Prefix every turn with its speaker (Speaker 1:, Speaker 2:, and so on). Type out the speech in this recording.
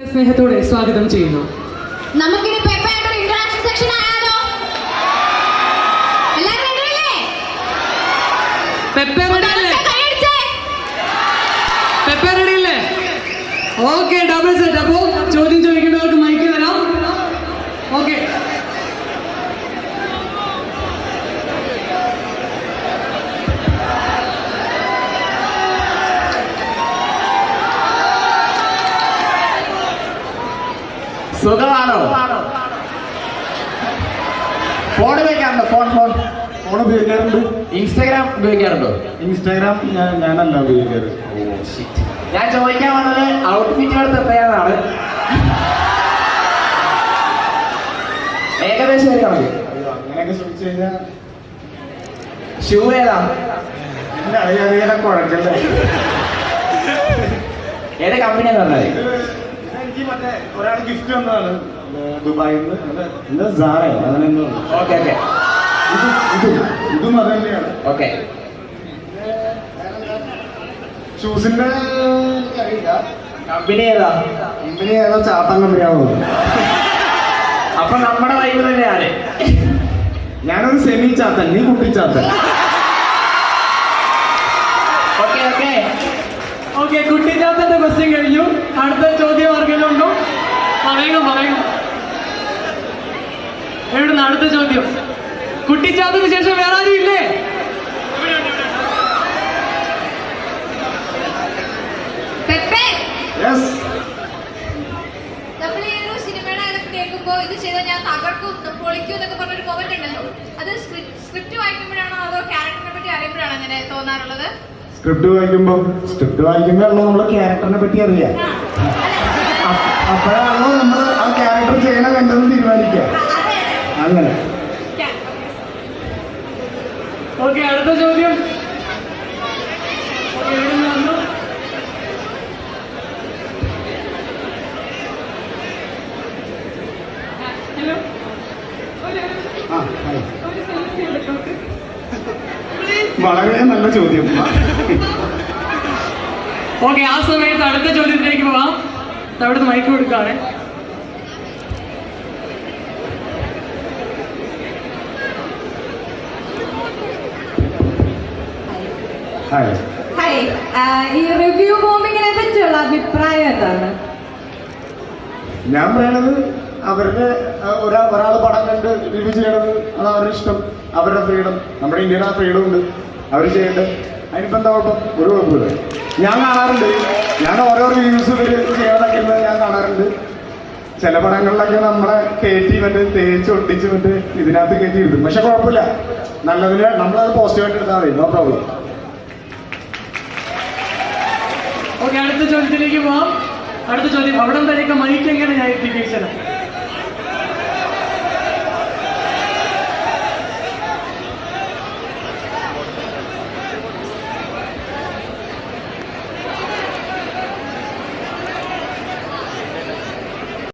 Speaker 1: സ്നേഹത്തോടെ സ്വാഗതം ചെയ്യുന്നു.
Speaker 2: നമുക്കിനി പെപ്പയുടെ ഒരു ഇന്ററാക്ഷൻ സെക്ഷൻ ആയാലോ? എല്ലാവരും റെഡിയല്ലേ?
Speaker 1: പെപ്പെ റെഡിയല്ലേ? പെപ്പെ റെഡിയല്ലേ? Okay, double set. അപ്പോ ചോദ്യം ചോദിക്കേണ്ടവർക്ക് മൈക്ക് തരാം. ഓക്കെ,
Speaker 3: സുഖമാണോ? ഫോൺ ഉപയോഗിക്കാറുണ്ടോ? ഫോൺ ഉപയോഗിക്കാറുണ്ട്. ഇൻസ്റ്റാഗ്രാം ഉപയോഗിക്കാറുണ്ടോ? ഇൻസ്റ്റാഗ്രാം ഞാനല്ല ഉപയോഗിക്കാറ്. ഞാൻ ചോദിക്കാൻ വന്നത് ഔട്ട്ഫിറ്റുകൾ എത്രയാണെന്നാണ്. ഏകദേശം ഒരു കണക്ക്. അങ്ങനെയൊക്കെ ചോദിച്ചു കഴിഞ്ഞാൽ ഷൂ ഏതാ? അറിയാതെ കുഴക്കല്ലേ. ഏത് കമ്പനിയാന്ന് പറഞ്ഞാൽ എനിക്ക് മറ്റേ ഒരാൾ ഗിഫ്റ്റ് വന്നതാണ് ദുബായിൽ നിന്ന്. എന്താ സാറയോ അങ്ങനെ എന്തോ. ഓക്കെ ഓക്കെ, ഇതും അത് തന്നെയാണ്. ഓക്കെ, ഷൂസിന്റെ കമ്പനി ഏതാ? കമ്പനി ഏതാ? ചാത്താൻ കമ്പനിയാവോ? അപ്പൊ നമ്മുടെ വൈബ് തന്നെയാണ്. ഞാനൊരു സെമി ചാത്തൻ, നീ കുട്ടി ചാത്തൻ. ഓക്കെ ഓക്കെ
Speaker 1: ഓക്കെ, കുട്ടിച്ചാത്തന്റെ ക്വസ്റ്റ്യൻ കഴിഞ്ഞു. അടുത്ത ചോദ്യം ആർക്കെങ്കിലും ഉണ്ടോ? പറയണം. എവിടുന്ന് അടുത്ത ചോദ്യം? കുട്ടിച്ചാത്തന് ശേഷം വേറെ ആരും ഇല്ലേ?
Speaker 2: പെപ്പെ,
Speaker 3: യെസ്.
Speaker 2: നമ്മൾ ഈ ഒരു സിനിമയുടെ അതൊക്കെ കേൾക്കുമ്പോ ഇത് ചെയ്താൽ ഞാൻ തകർക്കും പൊളിക്കും എന്നൊക്കെ പറഞ്ഞൊരു മൊമെന്റ് ഉണ്ടല്ലോ, അത് സ്ക്രിപ്റ്റ് വായിക്കുമ്പോഴാണോ അതോ ക്യാരക്ടറിനെ പറ്റി അറിയുമ്പോഴാണോ അങ്ങനെ തോന്നാറുള്ളത്?
Speaker 3: സ്ക്രിപ്റ്റ് വായിക്കുമ്പോഴാണോ നമ്മള് ക്യാരക്ടറിനെ പറ്റി അറിയാം. അപ്പോഴാണോ നമ്മൾ ആ ക്യാരക്ടർ ചെയ്യണ വേണ്ടതെന്ന് തീരുമാനിക്കുക. അങ്ങനെ.
Speaker 1: ഓക്കെ, അടുത്ത ചോദ്യം. എവിടുന്ന് വന്നു? ഹലോ,
Speaker 3: വളരെ നല്ല ചോദ്യം.
Speaker 1: ഓക്കെ, ആ സമയത്ത് അടുത്ത ചോദ്യത്തിലേക്ക് പോവാം. അവിടുന്ന് മൈക്ക് കൊടുക്കാണ്.
Speaker 4: ഹായ്, ഈ റിവ്യൂ ബോംബിങ്ങിനെ പറ്റിയുള്ള അഭിപ്രായം എന്താണ്?
Speaker 3: ഞാൻ പറയണത് അവരുടെ ഒരാൾ പടം കണ്ട് റിവ്യൂ ചെയ്യണത് അത് അവരുടെ ഇഷ്ടം, അവരുടെ ഫ്രീഡം. നമ്മുടെ ഇന്ത്യയിൽ ആ ഫ്രീഡം ഉണ്ട്, അവർ ചെയ്യട്ടെ. അതിനിപ്പോൾ എന്താ കുഴപ്പം? ഒരു കുഴപ്പമില്ല. ഞാൻ കാണാറുണ്ട്, ഞാൻ ഓരോ റിവ്യൂസ് ഇവർ ചെയ്യണതൊക്കെ ഞാൻ കാണാറുണ്ട്. ചില പടങ്ങളിലൊക്കെ നമ്മളെ കയറ്റി തേച്ച് ഒട്ടിച്ച് ഇതിനകത്ത് കയറ്റി ഇടും. പക്ഷെ കുഴപ്പമില്ല, നല്ലതിന് നമ്മളത് പോസിറ്റീവായിട്ട് എടുത്താൽ മതി, നോ പ്രോബ്ലം.
Speaker 1: ഓക്കെ, അടുത്ത ചോദ്യത്തിലേക്ക് പോവാം. അടുത്ത ചോദ്യം, അവിടെ വരെയൊക്കെ മൈക്ക് എങ്ങനെ ഞാൻ എത്തിക്കണം?